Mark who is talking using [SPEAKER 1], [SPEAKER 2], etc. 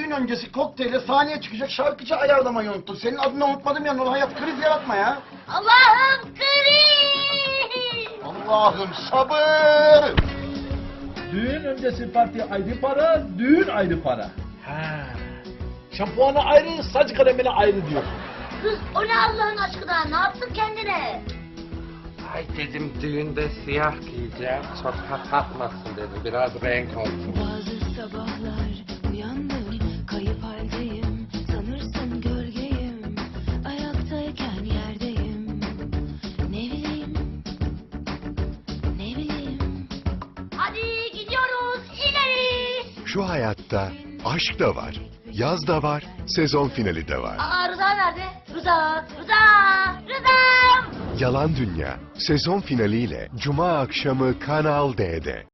[SPEAKER 1] düğün öncesi kokteyle sahneye çıkacak şarkıcı ayarlamayı unuttun. Senin adını unutmadım ya, Nur Hayat, kriz yaratma ya.
[SPEAKER 2] Allah'ım kriz!
[SPEAKER 1] Allah'ım sabır!
[SPEAKER 3] Düğün öncesi parti ayrı para, düğün ayrı para. Ha. Şampuanı ayrı, saç kalemine ayrı diyor.
[SPEAKER 2] Kız o ne Allah'ın aşkına, ne yaptın kendine?
[SPEAKER 4] Ay dedim düğünde siyah giyeceğim. Çok hata atmasın dedim. Biraz renk olsun.
[SPEAKER 5] Bazı sabahlar uyandım, kayıp haldeyim. Sanırsın gölgeyim, ayaktayken yerdeyim. Ne bileyim, ne bileyim.
[SPEAKER 2] Hadi gidiyoruz ileri!
[SPEAKER 6] Şu hayatta aşk da var, yaz da var, sezon finali de var.
[SPEAKER 2] Aa Rıza nerede? Rıza'm!
[SPEAKER 6] Yalan Dünya sezon finaliyle Cuma akşamı Kanal D'de.